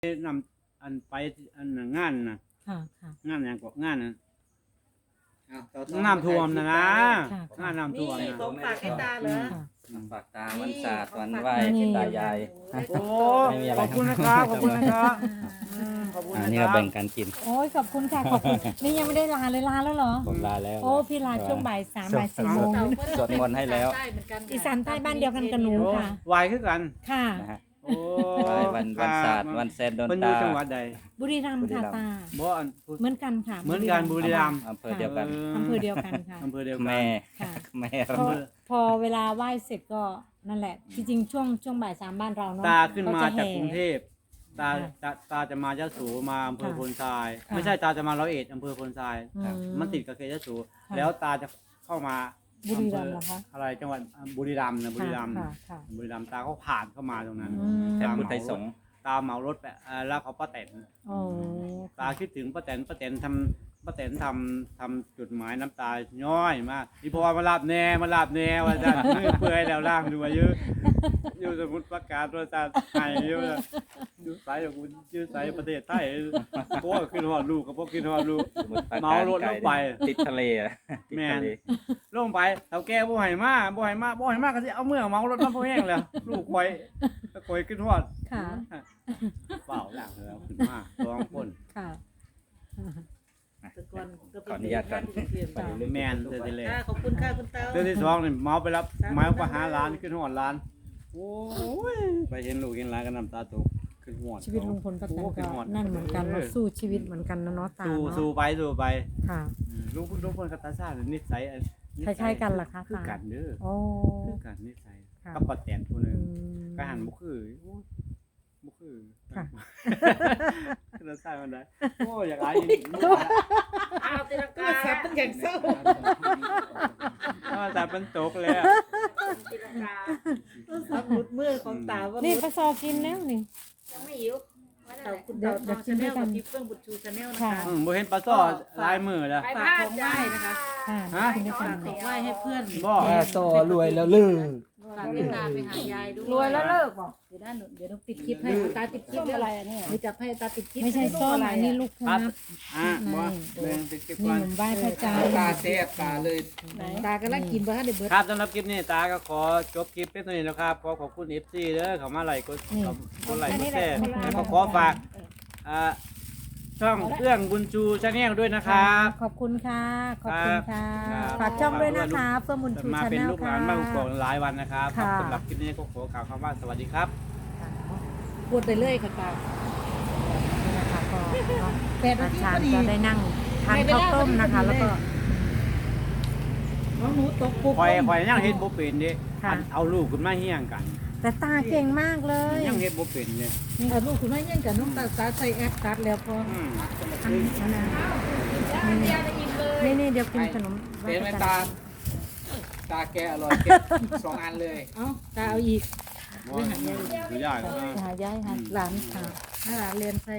นำอันไปอันน่ะงานน่ะค่ะค่ะงานหยังก็งานน่ะอ้าวต่อน้ำท่วมนะนะค่ะงานน้ำท่วมนี่นะของฝากให้ตาเหรอค่ะฝากตาวันศาสตร์วันไหว้นี่ตายายโอ้ไม่มีอะไรขอบคุณนะครับขอบคุณนะครับขอบคุณอันะนนี้คเรารับแบ่งกันกินโอ้ยขอบคุณค่ะขอบคุณนี่ยังไม่ได้ลาเลยลาแล้วเหรอผมลาแล้วโอ้พี่ลาช่วงบ่าย 3บ่าย 4 โมงสวดมนต์ให้แล้วอีสานใต้บ้านเดียวกันกับหนูโอ้ค่ะวายคือกันค่ะนะฮะโอ้ไหว้วันศาสตร์วันแซนโดนเพิ่นอยู่ตาจังหวัดใดบุรีรัมย์ค่ะตาบ่อันพูดเหมือนกันค่ะเหมือนกันบุรีรัมย์อำเภอเดียวกันอำเภอเดียวกันค่ะอำเภอเดียวกันแม่ค่ะแม่พอเวลาไหว้เสร็จก็นั่นแหละ จริงๆช่วงบ่าย 3บ้านเราเนาะตาขึ้นมาเขจะจากแห่กรุงเทพตาจะมายะโสมาอำเภอค่ะพลทรายค่ะไม่ใช่ตาจะมาร้อยเอ็ดอำเภอพลทรายอืมมันติดกับเขตยะโสค่ะแล้วตาจะเข้ามาบุรีรัมย์เหรอคะอะไรจังหวัดบุรีรัมย์นะบุรีรัมย์ค่ะค่ะบุรีรัมย์ตาเขาผ่านเข้ามาตรงนั้นอืมแทนพุทธไทยสงฆ์ตาเหมารถไปแล้วเขาป้าแตนโอ้ตาคิดถึงป้าแตนทำจุดหมายน้ำตาย้อยมากนี่พอมาลาบแน่ว่าจะมือเปื่อยแล้วล่างดูมาเยอะอยู่สมุทรปราการตัวตาไทยเยอะอยู่สายของคุณอยู่สายประเทศไทยพวกขึ้นหอดลูกกับพวกขึ้นหอดลูกสมุทรปรกเมารถลงไปติดทะเลอะติดแม่ทะนเลลงไปเฒ่าแก่บ่ให้มาก็สิเอาเมื่อเมารถมาพอแห้งแล้วลูกคอยขึ้นหอดค่ะเปล่าหลังแล้วขึ้นมาสองคนค่ะขออนุญาตก่อนไปเรื่อยๆแมนเดือนที่แล้วขอบคุณค่ะคุณตาเดือนที่สองนี่เมาไปรับเมาไปหาร้านขึ้นหอดร้านโอ้ยไปเห็นลูกเห็นร้านก็น้ำตาตกขึ้นหอดชีวิตลุงพลป้าแตนโอ้ขึ้ก็หอดนั่นเหมือนกันเนาะสู้ชีวิตเหมือนกันนะเนาะตาสู้เนาะสู้ไปค่ะลูกพลกับตาซ่านิสัยคล้ายๆกันเหรอคะคือตากันเด้อโอ้คือกันนิสัยค่ะกับปอดแตนผู้หนึอืงมก็หันบ่คือโอ้บ่คือค่ะตาซ่ามันได้โอ้อยากอายเอาตีลังกาแซ่บเป็นอย่างเศร้าแต่เป็นตกแล้วตีลังกาซับหลุดมือของตาว่านี่ปลาซอกินแล้วนี่ยังไม่หิวเต่าคุณเต่าทองชาแนลกับทิพย์เฟื่องบุตรชูชาแนลนะคะบ่เห็นปลาซ้อลายมือแล้วฝากของไหว้นะคะค่ะฮะกินด้วยกัฝาน กของไหว้ให้เพื่อนบ่ต่อรวยแล้วลือฝากให้ตาไปหายายด้วยรวยแล้วเลิกบอกเดี๋ยวด้านหนูเดี๋ยวต้องปิดคลิปให้ตาติดคลิปอะไรอ่ะเนี่ยเดี๋ยวจับให้ตาติดคลิปไม่ใช่ส้มอันนี้ลูกคครัรับบ บ่แบ่งติดเก็บนี่ก่อนหนุ่มไหว้พระจันทร์ตาเสียตาเลยตากำลังกินบ่ฮะเดี๋ยวเบิร์ดครับสำหรับคลิปนี้ตาก็ขอจบคลิปเพียงเท่านี้แล้วครับขอบคุณ FC เด้อเขามาไลค์กดไลค์กดแชร์แล้วก็ขอฝากช่องเอื้องบุญชูชาแนลด้วยนะครับขอบคุณค่ะ ขอบคุณค่ะครับฝากช่องด้วยนะคะเฟื่องบุญชูมาชาเป็นแนลลูกหค่ะลานบ้านกอกหลายวันนะครับค่ะสำหรับคลิปนี้ก็ขอกล่าวคำว่าสวัสดีครับพูดไปเรื่อยค่ะตานี่นะคะก็แปดนาอาทีจารพอย์ดีก็ได้นั่งทานข้าวต้มนะคะ แล้วก็น้องหนูตกปุ๊บคอยยังเฮ็ดบ่เป็นเด้ค่ะเอาลูกขึ้นมาเฮี้ยงกันแต่ตาเก่งมากเลยยังเฮ็ดบ่เป็นเลยเอาลูกคุณแม่ยังกับน้องตาใส่แอปตัดแล้วพอนั่นนะนี่เดี๋ยวกินขนมไหว้เป็นไหมพระจันทร์ตาแกอร่อยเก็บ2 อันเลยเอ้าตาเอาอีกบ่ดูยากนะหายายค่ะหลานค่ะให้หลานเรียนใส่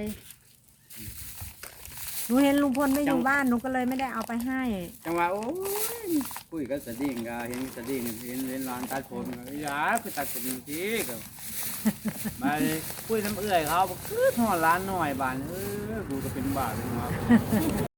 หนูเห็นลุงพลไม่อยู่บ้านหนูก็เลยไม่ได้เอาไปให้จังหวะโอ้ยคุยกับสดิ้งก็เห็นสดิ้งเห็นร้านตัดผมก็อย่าไปตัดเป็นทีก็มาคุยน้ำเอื้อยเขาบอกคือทอดร้านหน่อยบานกูก็เป็นบ้าเป็นหมา